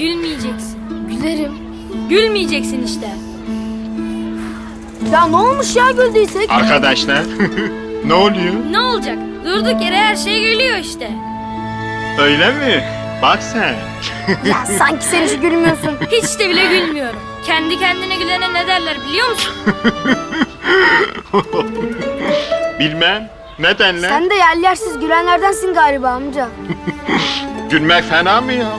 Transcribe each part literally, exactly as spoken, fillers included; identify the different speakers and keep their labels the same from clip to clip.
Speaker 1: Gülmeyeceksin.
Speaker 2: Gülerim.
Speaker 1: Gülmeyeceksin işte.
Speaker 2: Ya ne olmuş ya güldüysek?
Speaker 3: Arkadaşlar ne oluyor?
Speaker 1: Ne olacak? Durduk yere her şey gülüyor işte.
Speaker 3: Öyle mi? Bak sen.
Speaker 2: Ya sanki sen hiç gülmüyorsun.
Speaker 1: Hiç de bile gülmüyorum. Kendi kendine gülene ne derler biliyor musun?
Speaker 3: Bilmem. Ne denler?
Speaker 2: Sen de yerli yersiz gülenlerdensin galiba amca.
Speaker 3: Gülmek fena mı ya?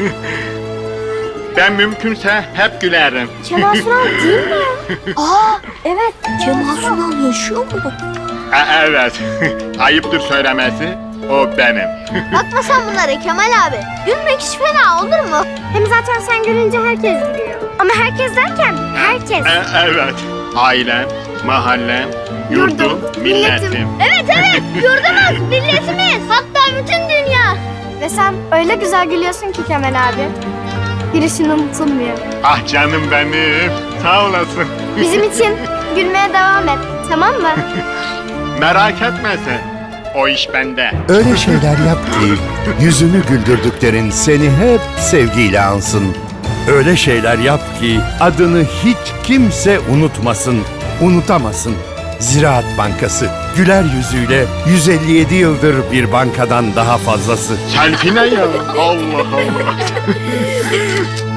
Speaker 3: Ben mümkünse hep gülerim.
Speaker 2: Kemal Sunal değil mi? Aa evet. Kemal Sunal yaşıyor mu?
Speaker 3: E, evet. Ayıptır söylemesi. O benim.
Speaker 2: Bakma sen bunlara Kemal abi. Gülmek hiç fena olur mu? Hem zaten sen gülünce herkes gülüyor. Ama herkes derken herkes.
Speaker 3: E, evet. Ailem, mahallem, yurdum, milletim.
Speaker 2: Evet evet yurdumuz, milletimiz. Hatta bütün dünya. Ve sen öyle güzel gülüyorsun ki Kemal abi. Girişin unutulmuyor.
Speaker 3: Ah canım benim. Sağ olasın.
Speaker 2: Bizim için gülmeye devam et. Tamam mı?
Speaker 3: Merak etme sen. O iş bende.
Speaker 4: Öyle şeyler yap ki yüzünü güldürdüklerin seni hep sevgiyle ansın. Öyle şeyler yap ki adını hiç kimse unutmasın, unutamasın. Ziraat Bankası güler yüzüyle yüz elli yedi yıldır bir bankadan daha fazlası.
Speaker 3: Selfie ne ya? Allah Allah.